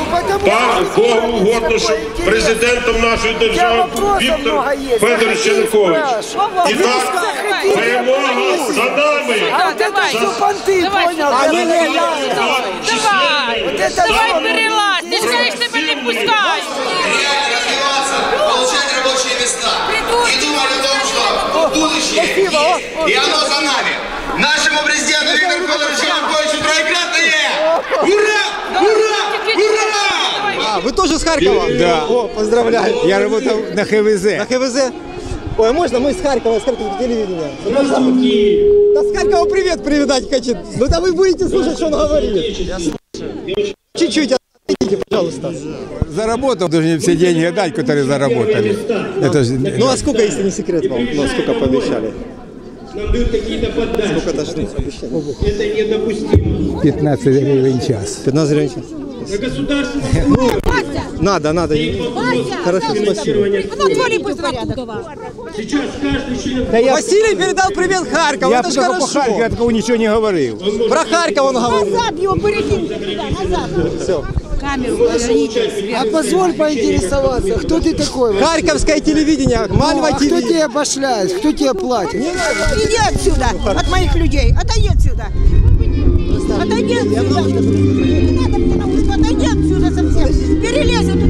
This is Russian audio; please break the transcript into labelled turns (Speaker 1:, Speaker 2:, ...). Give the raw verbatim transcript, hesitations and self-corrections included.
Speaker 1: пан Богу угодно, щоб президентом нашої держави Віктор Федорович Янукович. І так, перемога за нами.
Speaker 2: Давай, давай перелазь, ти ж знаєш, тебе не пускають.
Speaker 3: Получать рабочие места. И думали о том, что будущее и оно за нами. Нашему президенту Виктору Федоровичу Януковичу троекратное! Ура! Ура! Ура!
Speaker 4: А, вы тоже с Харькова?
Speaker 5: Да.
Speaker 4: О, поздравляю.
Speaker 5: Я работал на ХВЗ.
Speaker 4: На ХВЗ? Ой, можно мы с Харькова, с Харькова телевидения? Да с Харькова привет передать хочет. Ну да вы будете слушать, что он говорит. Чуть-чуть отойдите, пожалуйста.
Speaker 5: Заработал, должны все деньги отдать, которые заработали. Это же...
Speaker 4: Ну а сколько, если не секрет вам? Ну сколько пообещали? Сколько должны обещали?
Speaker 6: Это недопустимо.
Speaker 5: пятнадцать гривен в час.
Speaker 4: пятнадцать гривен в час.
Speaker 6: На государственном уровне
Speaker 4: Надо, надо. Хорошо, спасибо.
Speaker 6: сейчас каждый член...
Speaker 4: Василий передал привет Харькову,
Speaker 5: Я
Speaker 4: это же
Speaker 5: только по
Speaker 4: хорошо.
Speaker 5: Харькову, я такого ничего не говорил.
Speaker 4: Про Харьков он говорил.
Speaker 7: Назад его перекинь туда, назад.
Speaker 4: Все.
Speaker 7: Камеру поверните.
Speaker 8: А позволь поинтересоваться, кто ты такой?
Speaker 4: Харьковское телевидение, Мальва
Speaker 8: А кто
Speaker 4: ТВ.
Speaker 8: тебя обошляет, кто тебя платит?
Speaker 7: Иди отсюда, от моих людей. Отойди отсюда. Отойди отсюда. Не надо мне на ушко, отойди отсюда совсем. Перелезь вот